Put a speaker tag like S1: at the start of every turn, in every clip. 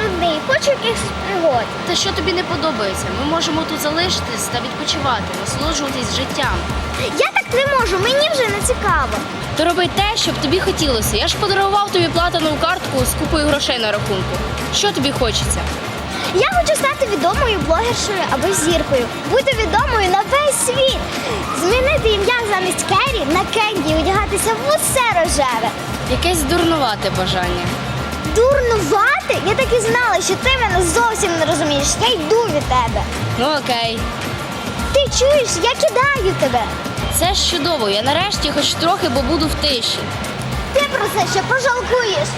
S1: нудний, хочу якихось пригод.
S2: Та що тобі не подобається? Ми можемо тут залишитись та відпочивати, насолоджуватись життям.
S1: Я так не можу, мені вже не цікаво.
S2: То роби те, що б тобі хотілося. Я ж подарував тобі платинову картку з купою грошей на рахунку. Що тобі хочеться?
S1: Я хочу стати відомою блогершою або зіркою. Бути відомою на весь світ. Змінити ім'я замість Керрі на Кенді і одягатися в усе рожеве.
S2: Якесь дурнувате бажання.
S1: Дурнувати? Я так і знала, що ти мене зовсім не розумієш. Я йду від тебе.
S2: Ну окей.
S1: Ти чуєш, я кидаю тебе.
S2: Це ж чудово. Я нарешті хоч трохи, бо буду в тиші.
S1: Ти про це ще пожалкуєш.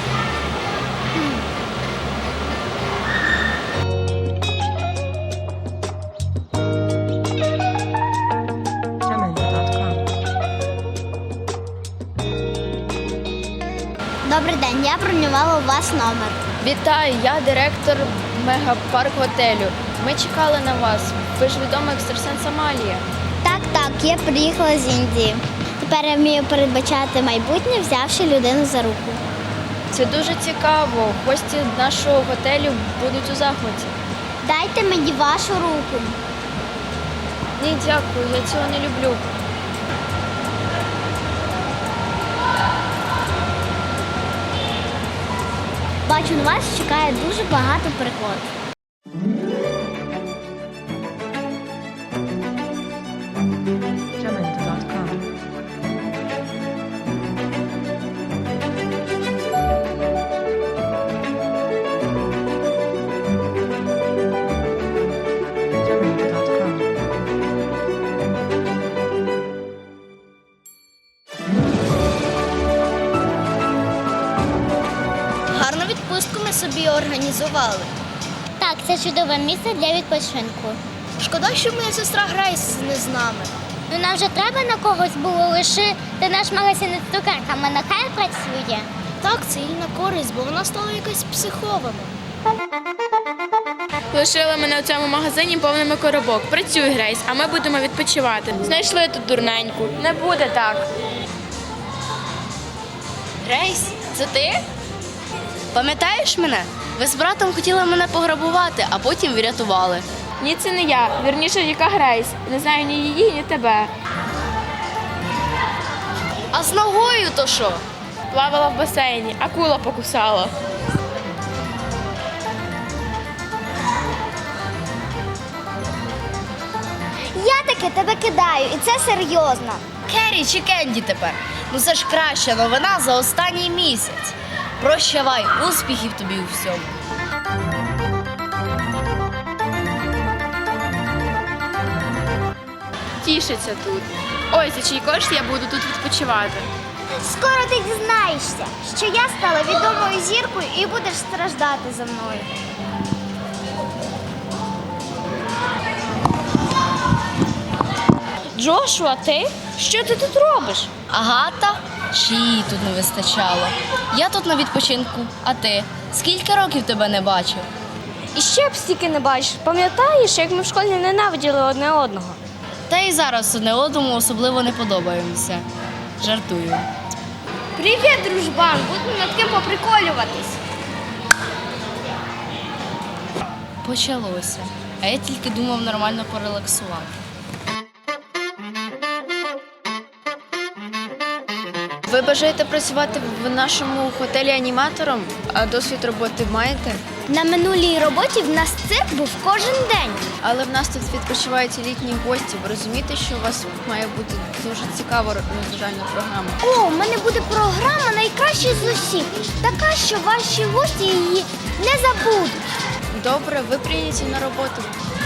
S1: Добрий день, я бронювала у вас номер.
S3: Вітаю, я директор мегапарк готелю. Ми чекали на вас. Ви ж відома екстрасенс Амалія.
S1: Так, я приїхала з Індії. Тепер я вмію передбачати майбутнє, взявши людину за руку.
S3: Це дуже цікаво. Гості нашого готелю будуть у захваті.
S1: Дайте мені вашу руку.
S3: Ні, дякую, я цього не люблю.
S1: Бачу, на вас чекає дуже багато пригод.
S2: Гарну відпустку ми собі організували.
S1: Так, це чудове місце для відпочинку.
S2: Шкода, що моя сестра Грейс не з нами.
S1: Ну нам вже треба на когось було лишити наш магазин з цукерками, нехай працює.
S2: Так, це їй на користь, бо вона стала якась психована.
S3: Лишили мене у цьому магазині повними коробок. Працюй, Грейс, а ми будемо відпочивати. Знайшли тут дурненьку. Не буде так.
S2: Грейс, це ти? Пам'ятаєш мене? Ви з братом хотіли мене пограбувати, а потім врятували.
S3: Ні, це не я. Вірніше, яка Грейс. Не знаю ні її, ні тебе.
S2: А з ногою то що?
S3: Плавала в басейні, акула покусала.
S1: Я таки тебе кидаю, і це серйозно.
S2: Керрі чи Кенді тепер? Ну це ж краща новина за останній місяць. Прощавай, успіхів тобі у всьому.
S3: Тішиться тут. Ой, за чий кошт я буду тут відпочивати.
S1: Скоро ти дізнаєшся, що я стала відомою зіркою і будеш страждати за мною.
S2: Джошуа, ти? Що ти тут робиш? Агата? Чи її тут не вистачало? Я тут на відпочинку, а ти? Скільки років тебе не бачив?
S4: І ще б стільки не бачиш. Пам'ятаєш, як ми в школі ненавиділи одне одного?
S2: Та й зараз одне одному особливо не подобаємося. Жартую.
S4: Привіт, дружбан! Будемо над ким поприколюватись.
S2: Почалося. А я тільки думав нормально порелаксувати.
S3: Ви бажаєте працювати в нашому готелі аніматором, а досвід роботи маєте?
S1: На минулій роботі в нас цирк був кожен день.
S3: Але в нас тут відпочивають літні гості. Ви розумієте, що у вас має бути дуже цікава розважальна програма?
S1: О, в мене буде програма найкраща з усіх. Така, що ваші гості її не забудуть.
S3: Добре, ви прийняті на роботу.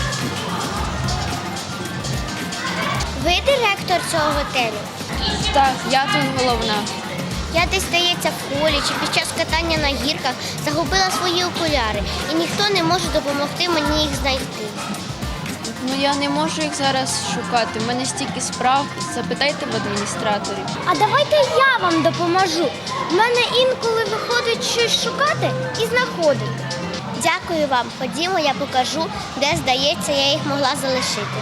S1: Ви директор цього готелю?
S3: Так, я тут головна.
S1: Я десь, здається, в холі чи під час катання на гірках загубила свої окуляри, і ніхто не може допомогти мені їх знайти.
S3: Ну я не можу їх зараз шукати. У мене стільки справ. Запитайте в адміністраторів.
S1: А давайте я вам допоможу. В мене інколи виходить щось шукати і знаходити. Дякую вам. Ходімо, я покажу, де, здається, я їх могла залишити.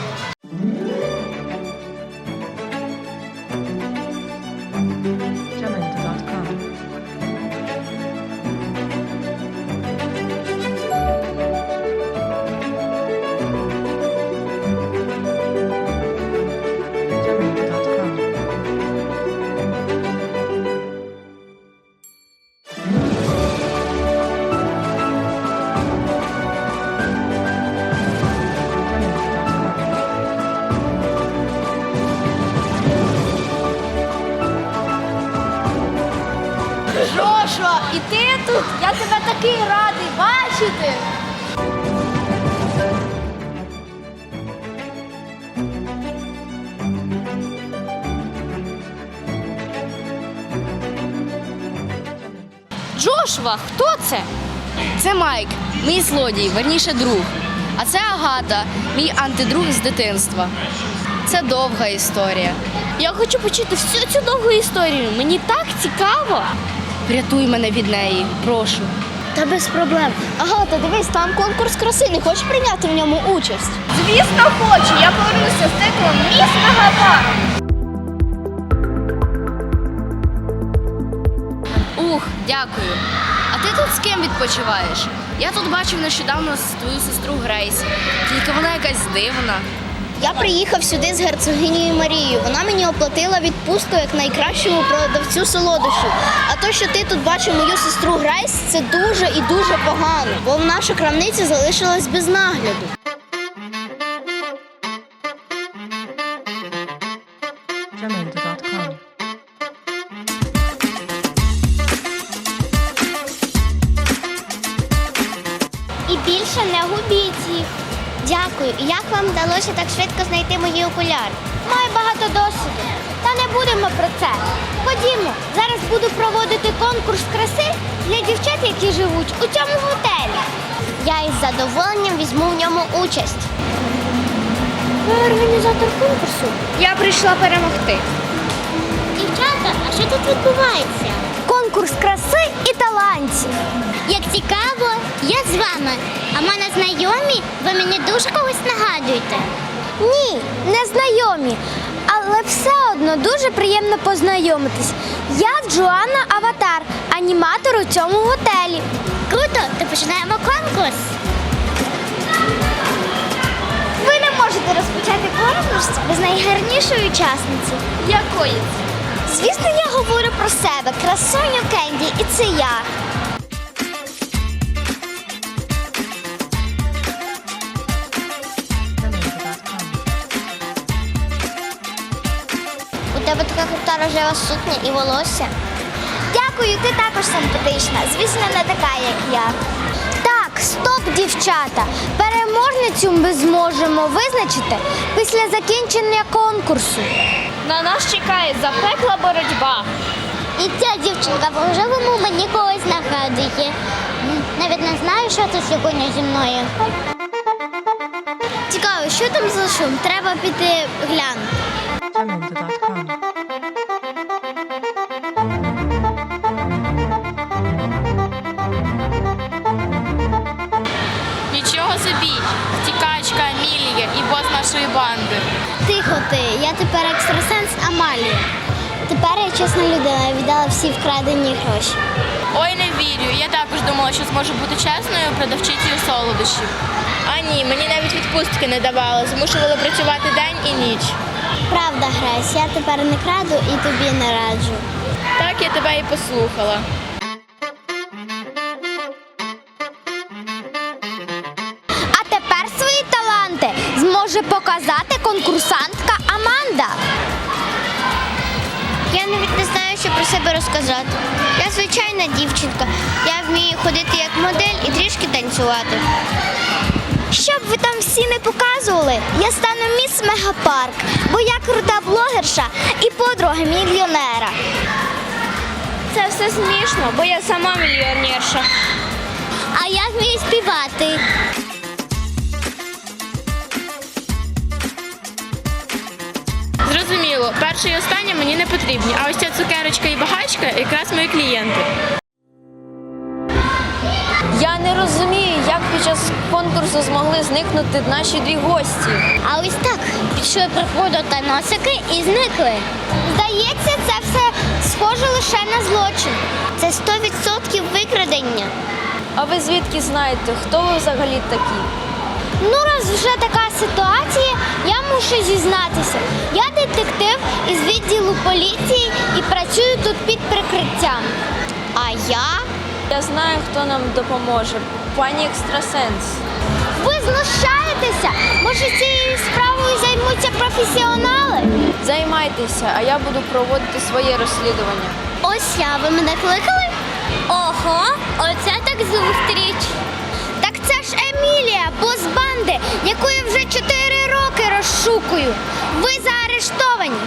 S2: і ти тут! Я тебе такий радий бачити!
S4: Джошуа, хто це?
S2: Це Майк, мій злодій, верніше друг. А це Агата, мій антидруг з дитинства. Це довга історія.
S4: Я хочу почути всю цю довгу історію. Мені так цікаво.
S2: Врятуй мене від неї, прошу.
S4: Та без проблем. Агата, дивись, там конкурс краси. Не хочеш прийняти в ньому участь? Звісно, хочу. Я повернуся з титулом «Міс Мегапарк».
S2: Ух, дякую. А ти тут з ким відпочиваєш? Я тут бачив нещодавно твою сестру Грейс. Тільки вона якась дивна.
S1: Я приїхав сюди з герцогинею Марією. Вона мені оплатила відпустку як найкращому продавцю солодощів. А то, що ти тут бачив мою сестру Грейс, це дуже і дуже погано, бо наша крамниця залишилась без нагляду.
S5: Jamendo.com.
S1: І більше не губіть їх. Дякую. І як вам вдалося так швидко знайти мої окуляри? Маю багато досвіду. Та не будемо про це. Ходімо, зараз буду проводити конкурс краси для дівчат, які живуть у цьому готелі. Я із задоволенням візьму в ньому участь. Ви організатор конкурсу?
S4: Я прийшла перемогти.
S1: Дівчата, а що тут відбувається? Конкурс краси і талантів. Як цікаво, я з вами. А мене знайомі? Ви мені дуже когось нагадуєте. Ні, не знайомі. Але все одно дуже приємно познайомитись. Я Джоанна Аватар, аніматор у цьому готелі. Круто, то починаємо конкурс. Ви не можете розпочати конкурс без найгарнішої учасниці.
S4: Якої?
S1: Звісно, я говорю про себе, красуню Кенді, і це я.
S5: Jamendo.com.
S1: У тебе така крута рожева сукня і волосся. Дякую, ти також симпатична. Звісно, не така, як я. Так, стоп, дівчата. Переможницю ми зможемо визначити після закінчення конкурсу.
S4: На нас чекає запекла боротьба.
S1: І ця дівчинка по-рожевому мені когось нагадує. Навіть не знаю, що це сьогодні зі мною. Цікаво, що там за шум? Треба піти глянути.
S5: Jamendo.com.
S3: Нічого собі, втікачка Амілія і бос нашої банди.
S1: Тихо ти, я тепер екстрасенс Амалія. Тепер я чесна людина, я віддала всі вкрадені гроші.
S3: Ой, не вірю, я також думала, що зможу бути чесною продавчицею солодощів. А ні, мені навіть відпустки не давали, змушували працювати день і ніч.
S1: Правда, Грейс, я тепер не краду і тобі не раджу.
S3: Так я тебе і послухала.
S1: А тепер свої таланти зможе показати конкурсантка Аманда. Я навіть не знаю, що про себе розказати. Я звичайна дівчинка. Я вмію ходити як модель і трішки танцювати. Щоб ви там всі не показували, я стану міс Мегапарк, бо я крута блогерша і подруга мільйонера.
S4: Це все смішно, бо я сама мільйонерша.
S1: А я вмію співати.
S3: Зрозуміло, перше і останнє мені не потрібні, а ось ця цукерочка і багачка якраз мої клієнти.
S6: Я не розумію, як під час конкурсу змогли зникнути наші дві гості.
S1: А ось так пішли приходу та носики і зникли. Здається, це все схоже лише на злочин. Це 100% викрадення.
S6: А ви звідки знаєте, хто ви взагалі такі?
S1: Ну, раз вже така ситуація, я мушу зізнатися. Я детектив із відділу поліції і працюю тут під прикриттям. А я?
S6: Я знаю, хто нам допоможе. Пані екстрасенс.
S1: Ви знущаєтеся? Може, цією справою займуться професіонали?
S6: Займайтеся, а я буду проводити своє розслідування.
S1: Ось я, ви мене кликали? Ого, оце так зустріч. Так це ж Емілія, бос банди, яку я вже 4 роки розшукую. Ви заарештовані.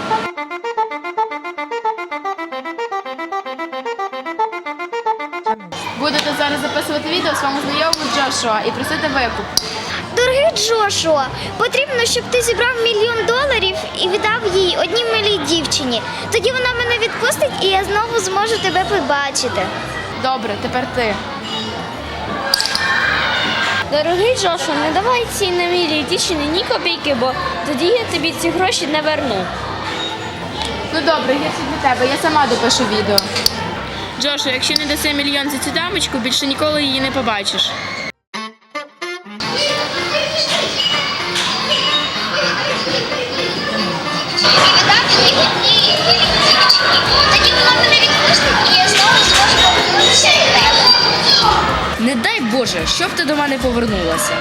S3: Будете зараз записувати відео своєму знайомому Джошуа і просити викуп.
S1: Дорогий Джошуа, потрібно, щоб ти зібрав $1 мільйон і віддав їй одній милій дівчині. Тоді вона мене відпустить і я знову зможу тебе побачити.
S3: Добре, тепер ти.
S6: Дорогий Джошуа, не давай цій немілій дівчині ні копійки, бо тоді я тобі ці гроші не верну.
S3: Ну добре, гірше для тебе, я сама допишу відео. Джошуа, якщо не даси $1 мільйон за цю дамочку, більше ніколи її не побачиш.
S1: Тоді вона мене відпустить і я знову зможу повернутися до тебе.
S2: Не дай Боже, щоб ти до мене повернулася.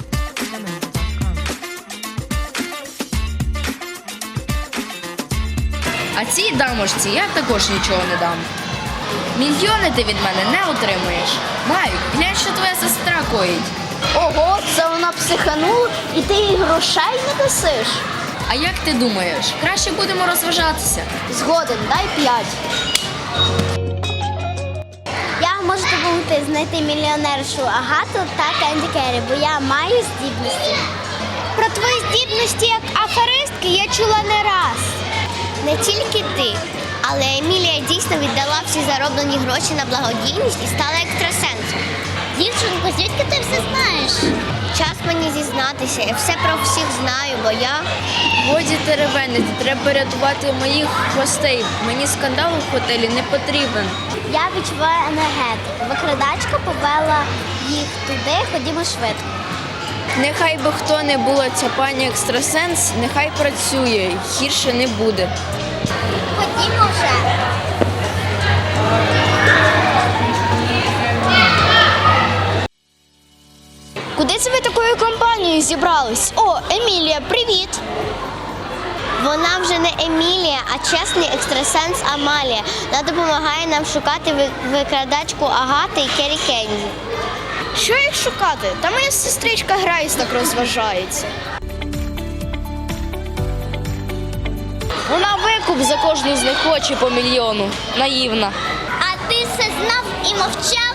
S2: А цій дамочці я також нічого не дам. Мільйони ти від мене не отримуєш. Майк, глянь, що твоя сестра коїть.
S4: Ого, це вона психанула і ти їй грошей не дасиш?
S2: А як ти думаєш, краще будемо розважатися?
S4: Згоден, дай 5.
S1: Я можу допомогти знайти мільйонершу Агату та Кенді Керрі, бо я маю здібності. Про твої здібності як аферистки я чула не раз. Не тільки ти, але Емілія дійсно віддала всі зароблені гроші на благодійність і стала екстрасенсом. Дівчинко, звідки ти все знаєш? Час мені зізнатися, я все про всіх знаю, бо я...
S6: Годі теревенити, треба рятувати моїх гостей. Мені скандал у готелі не потрібен.
S1: Я відчуваю енергетику. Викрадачка повела їх туди, ходімо швидко.
S6: Нехай би хто не була ця пані екстрасенс, нехай працює, гірше не буде.
S1: Ходімо вже.
S4: Куди це ви такою компанією зібрались? О, Емілія, привіт!
S1: Вона вже не Емілія, а чесний екстрасенс Амалія. Вона допомагає нам шукати викрадачку Агати і Керрі Кенді.
S4: Що їх шукати? Та моя сестричка Грейс так розважається.
S6: Вона викуп за кожну з них хоче по $1 мільйону. Наївна.
S1: А ти все знав і мовчав?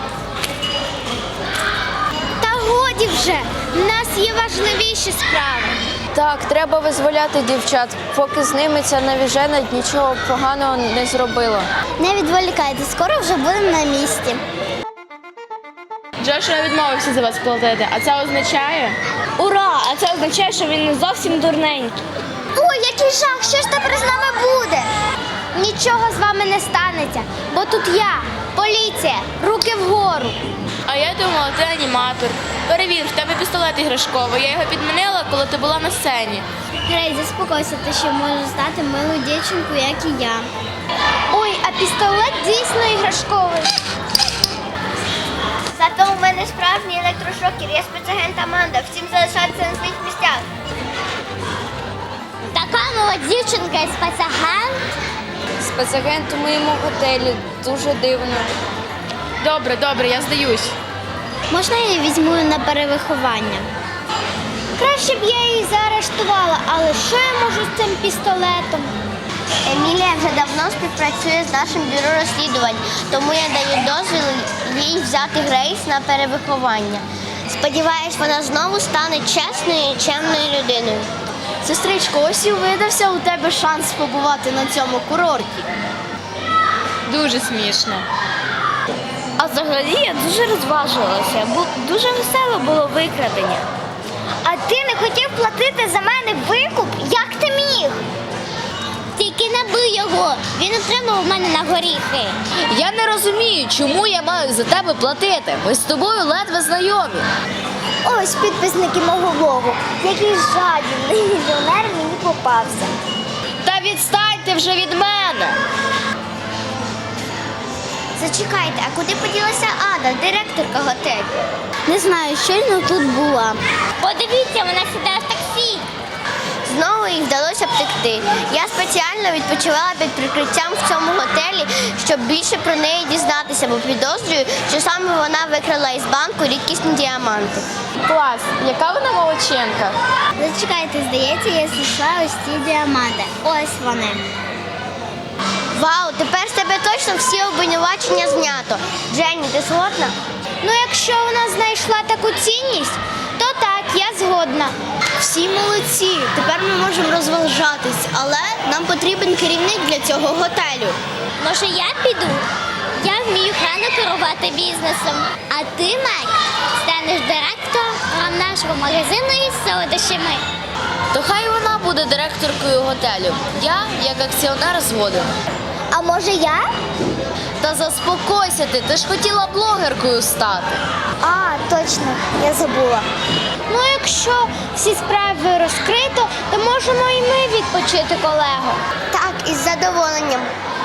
S1: Та годі вже, в нас є важливіші справи.
S6: Так, треба визволяти дівчат, поки з ними ця навіжена нічого поганого не зробила.
S1: Не відволікайте, скоро вже будемо на місці.
S3: Джошуа відмовився за вас платити, а це означає?
S6: Ура! А це означає, що він не зовсім дурненький.
S1: Ой, який жах, що ж тепер з нами буде? Нічого з вами не станеться, бо тут я, поліція, руки вгору.
S3: А я думала, ти аніматор. Перевір, в тебе пістолет іграшковий. Я його підмінила, коли ти була на сцені.
S1: Грей, заспокойся, ти ще можеш стати милою дівчинкою, як і я. Ой, а пістолет дійсно іграшковий. Зато у мене справжній електрошокер, я спецагент Аманда. Всім залишатися на своїх місцях. Така мила дівчинка і спецагент.
S6: Спецагент у моєму готелі. Дуже дивно.
S3: Добре, добре, я здаюсь.
S1: Можна я її візьму на перевиховання? Краще б я її заарештувала, але що я можу з цим пістолетом? Емілія вже давно співпрацює з нашим бюро розслідувань, тому я даю дозвіл їй взяти Грейс на перевиховання. Сподіваюсь, вона знову стане чесною і чемною людиною.
S4: Сестричко, ось і видався у тебе шанс побувати на цьому курорті.
S3: Дуже смішно.
S6: А взагалі я дуже розважилася, бо дуже весело було викрадення.
S1: А ти не хотів платити за мене викуп? Як ти міг? Тільки не бий його, він отримав мене на горіхи.
S2: Я не розумію, чому я маю за тебе платити. Ми з тобою ледве знайомі.
S1: Ось підписники мого блогу. Який жадібний мільйонер мені попався.
S2: Та відстаньте вже від мене.
S1: Зачекайте, а куди поділася Ада, директорка готелю? Не знаю, щойно тут була. Подивіться, вона сідає в таксі.
S4: знову їй вдалося втекти. Я спеціально відпочивала під прикриттям в цьому готелі, щоб більше про неї дізнатися, бо підозрюю, що саме вона викрала із банку рідкісні діаманти.
S3: Клас, яка вона молодчинка.
S1: Зачекайте, здається, я знайшла ось ці діаманти. Ось вони.
S4: Вау, тепер з тебе точно всі обвинувачення знято. Дженні, ти згодна?
S1: Ну, якщо вона знайшла таку цінність, то так, я згодна.
S4: Всі молодці. Тепер ми можемо розважатись, але нам потрібен керівник для цього готелю.
S1: Може, я піду? Я вмію гарно керувати бізнесом. А ти, Майк, станеш директором нашого магазину із солодощами.
S2: То хай вона буде директоркою готелю. Я, як акціонер, згоден.
S1: А може я?
S2: Та заспокойся ти ж хотіла блогеркою стати.
S1: А, точно, я забула. Ну, якщо всі справи розкрито, то можемо і ми відпочити, колего.
S4: Так, із задоволенням.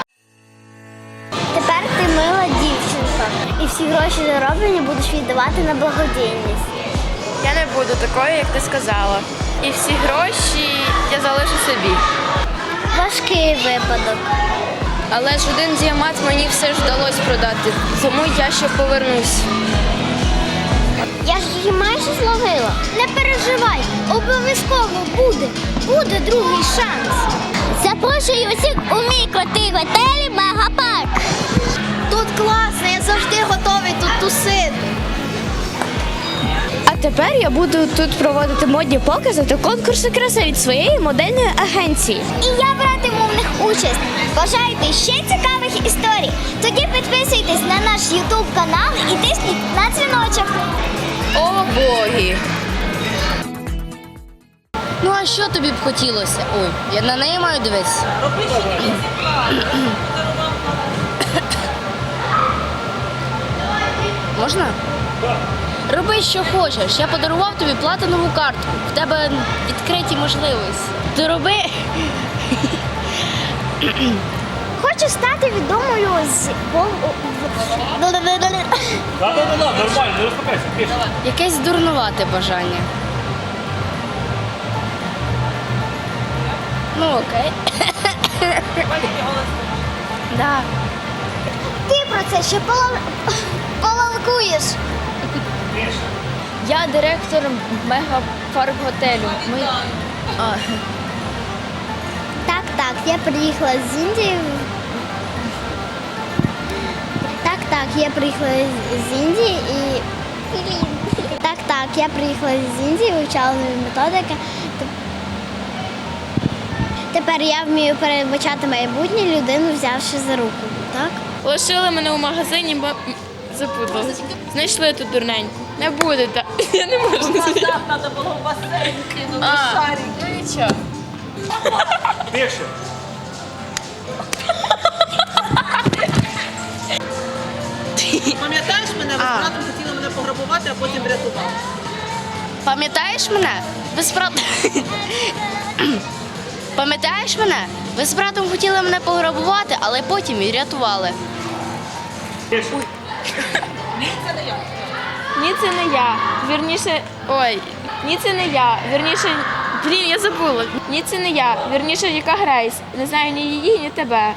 S1: Тепер ти мила дівчинка. І всі гроші зароблені будеш віддавати на благодійність.
S3: Я не буду такою, як ти сказала. І всі гроші я залишу собі.
S1: Важкий випадок.
S3: Але ж один діамант мені все ж вдалося продати, тому я ще повернусь.
S1: Я ж її майже зловила. Не переживай, обов'язково буде. Буде другий шанс. Запрошую усіх у мій крутий готель Мегапарк.
S4: Тут класно, я завжди готовий тут тусити.
S6: А тепер я буду тут проводити модні покази та конкурси краси від своєї модельної агенції.
S1: І я братиму в них участь. Бажаєте ще цікавих історій? Тоді підписуйтесь на наш YouTube канал і тисніть на дзвіночок.
S2: О, боги! Ну а що тобі б хотілося? Ой, я на неї маю дивитися. Можна? Роби, що хочеш. Я подарував тобі платинову картку. В тебе відкриті можливості. Ти роби.
S1: Хочу стати відомою з
S7: Да, нормально, не розпокайся, пішли.
S2: Якесь дурнувате бажання. Ну окей. Да.
S1: Ти про це ще полалкуєш.
S6: Я директор Мегапарк готелю.
S1: Так, я приїхала з Індії. Так, я приїхала з Індії і. Так, я приїхала з Індії, вивчала нові методики. Тепер я вмію передбачати майбутнє людину, взявши за руку. Так?
S3: Лишили мене у магазині, бо запутала. Знайшли тут дурненьку. Не буде так. Я не можу.
S8: Треба було в басейн кинути шарик.
S3: Ну нічого.
S7: Тише.
S8: Пам'ятаєш мене? Ви з братом хотіли мене пограбувати, а потім врятували.
S2: Пам'ятаєш мене? Ви з братом... Пам'ятаєш мене? Ви з братом хотіли мене пограбувати, але потім і рятували.
S7: Тише.
S3: Ні, це не я. Вірніше. Ой, ні, це не я. Вірніше. Блін, я забула. Ні, це не я. Вірніше, яка Грейс. Не знаю ні її, ні тебе.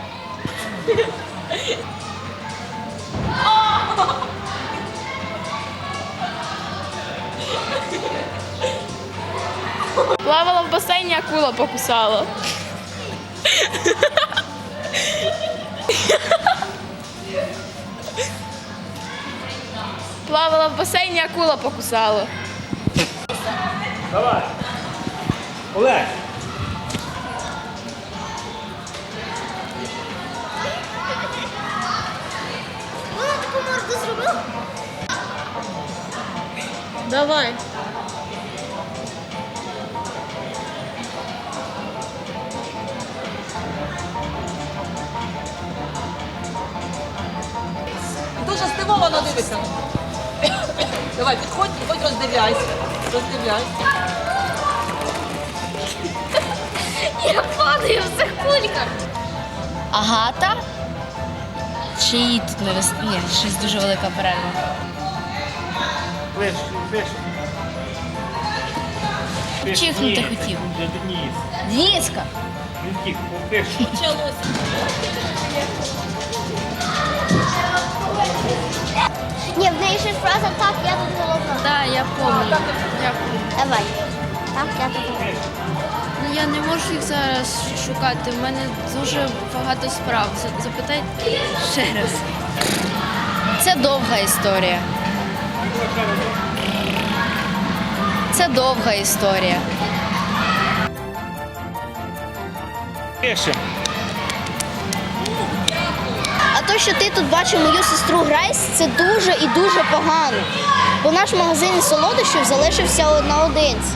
S3: Плавала в басейні, акула покусала. Плавала в басейні, акула покусала.
S7: Давай. Олег.
S1: Вона таку морду зробила.
S8: Давай. Дуже здивовано дивися. Давай, підходь, роздивляйся. Роздивляйся.
S6: Я падаю в цих кульках.
S2: Агата? Чи її тут не вистачає? Ні, щось дуже велика перерва.
S7: Ближче, ближче.
S2: чихнути хотів.
S7: Денис.
S2: Діска.
S7: Він втік. Пиши.
S4: Ні, в неї щось фраза так, я тут головна.
S2: Так, я пам'ятаю.
S4: Давай. Так, я тут головна.
S6: Ну я не можу їх зараз шукати. У мене дуже багато справ. Запитай ще раз.
S2: Це довга історія. Це довга історія.
S7: Пиши.
S4: А то, що ти тут бачив мою сестру Грейс, це дуже і дуже погано. Бо наш магазин солодощів залишився наодинці.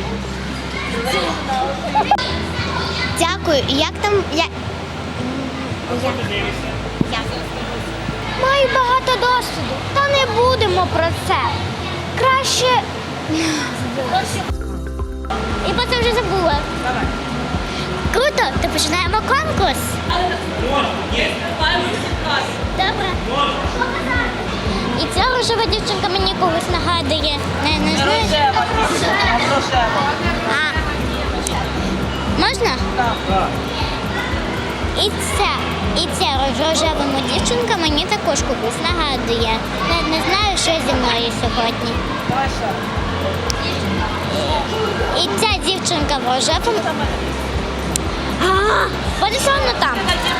S4: Дякую. І як там.
S1: Маю багато досвіду, та не будемо про це. Краще. І про це вже забула.
S8: Давай.
S1: Круто, то починаємо конкурс. Добре. І ця рожева дівчинка мені когось нагадує. Не знаєш?
S8: Рожева, а рожева.
S1: А. Можна?
S7: Так.
S1: І ця рожева дівчинка мені також когось нагадує. Не знаю, що зі мною сьогодні.
S8: Давай ще.
S1: І ця дівчинка в рожевому. Буде воно там.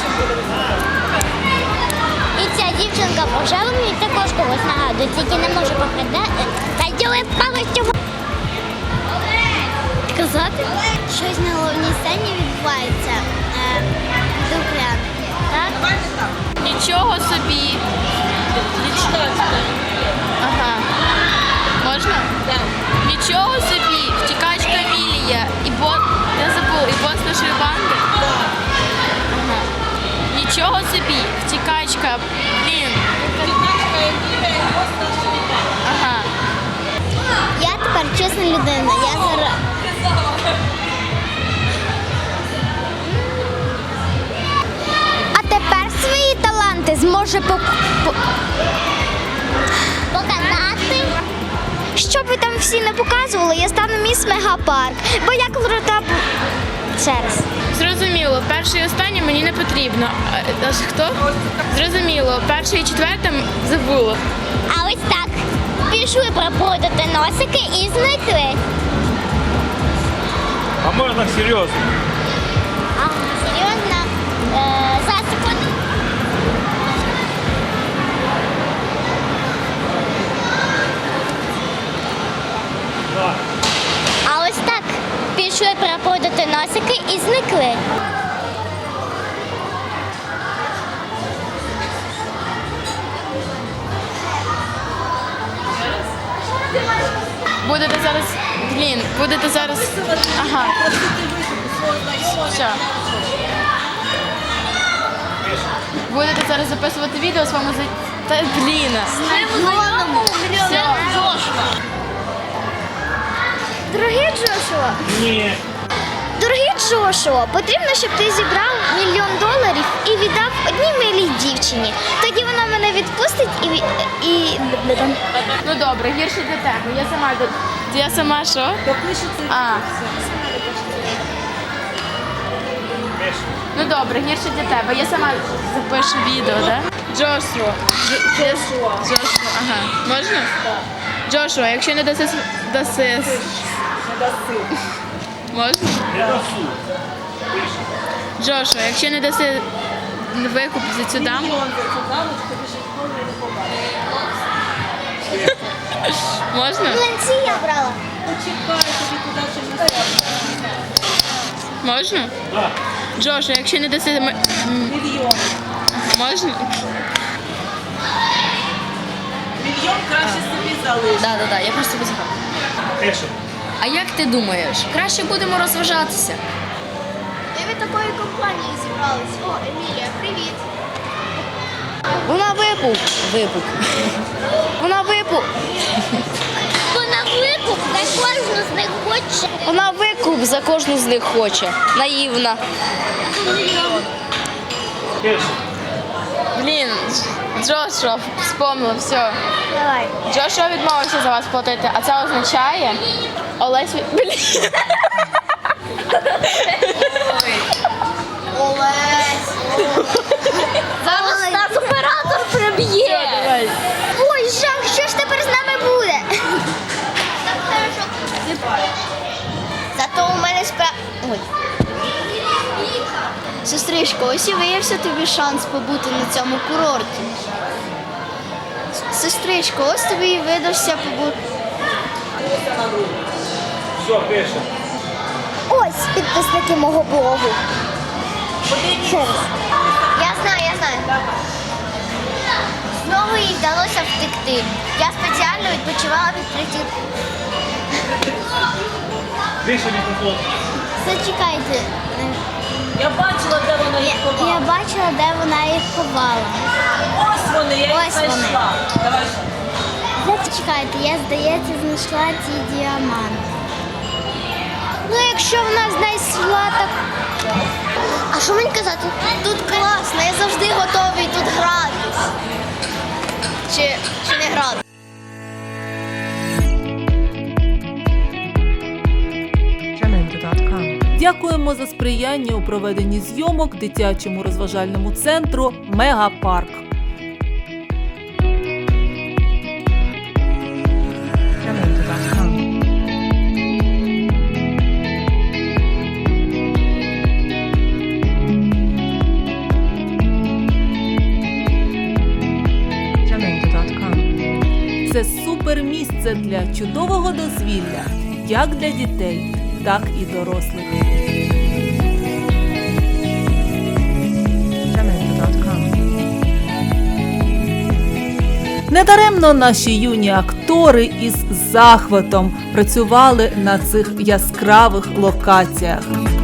S1: І ця дівчинка в рожевому мені також когось нагадує, тільки не можу погадати. Та ділай повністю. Казати?
S4: Щось на головній сцені відбувається. Дуплян. Так?
S8: Давайте так.
S3: Нічого собі. Ага. Можна?
S8: Так.
S3: Нічого собі. Втікачка Вілія. І бос. Я забула. І бос нашої банди. Ага. Нічого собі. Втікачка. Блін. Ага.
S4: Я тепер чесна людина. Я зараз.
S1: А тепер свої таланти зможе показати.
S4: Щоб ви там всі не показували, я стану міс Мегапарк. Бо я крута. Ще раз.
S3: Зрозуміло, перше і останнє мені не потрібно. А хто? Зрозуміло, перше і четверте забула.
S1: А ось так. Пішли проплутати носики і зникли.
S7: А можна серйозно?
S1: А, серйозно? За секунду.
S7: Так.
S1: А ось так. Пішли проплутати носики і зникли.
S3: Будете зараз. Блін, будете зараз. Ага. Що? Будете зараз записувати відео з вами за. Та блін. Все.
S4: Дорогий Джошуа,
S7: Ні.
S4: дорогий Джошуа, потрібно, щоб ти зібрав $1 мільйон і віддав одній милій дівчині. Тоді вона мене відпустить і...
S3: Ну добре, гірше для тебе. Я сама Я сама що?
S8: Допишеться.
S3: А. Ну добре, гірше для тебе. Я сама запишу відео, так? Джошуа. Джошуа. Ага. Можна? Так. Джошуа, якщо не даси. Можна?
S7: Не досу. Пиши.
S3: Джошуа, якщо не даси викуп за цю даму. Можна?
S4: Млинці я брала.
S8: Почекай, тобі туди ще не
S3: Можна?
S7: Так.
S3: Джошуа, якщо не даси.
S8: мільйон.
S3: Можна?
S8: Мільйон краще собі залиш.
S2: Так, я просто визгав.
S7: Пиши.
S2: А як ти думаєш, краще будемо розважатися?
S4: Ми від такої компанії зібрались. О, Емілія, привіт.
S2: Вона випук. Вона викуп
S1: За кожну з них хоче.
S2: Вона викуп за кожну з них хоче. Наївна.
S7: Пиши.
S3: Блін, Джошуа вспомнив, все.
S1: Давай.
S3: Джошуа відмовився за вас платити, а це означає Олесь... Блін.
S1: Зараз нас оператор приб'є.
S3: Давай.
S1: Ой, жах, що ж тепер з нами буде?
S4: Зато у мене Ой. Сестричко, ось і виявився тобі шанс побути на цьому курорті. Сестричко, ось тобі і видався побути.
S7: Все, пишемо.
S1: Ось підписники мого блогу. Ще раз.
S4: Я знаю. Знову їй вдалося втекти. Я спеціально відпочивала від притів.
S7: Пише мікрофон.
S1: Зачекайте.
S8: Я бачила, де вона їх
S1: Я
S8: ховала.
S1: бачила, де вона їх ховала.
S8: Ось вони, я їх
S1: Ось вони.
S8: знайшла. Давай ще.
S1: Зачекайте, я, здається, знайшла ці діаманти. Ну, якщо вона знайшла, так...
S4: А що мені казати? Тут класно, я завжди готовий тут гратись. Чи не грати?
S5: Jamendo.com.
S9: Дякуємо за сприяння у проведенні зйомок дитячому розважальному центру «Мегапарк».
S5: Jamendo.com. Jamendo.com.
S9: Це супермісце для чудового дозвілля, як для дітей, так і дорослих.
S5: Jamendo.com.
S9: Недаремно наші юні актори із захватом працювали на цих яскравих локаціях.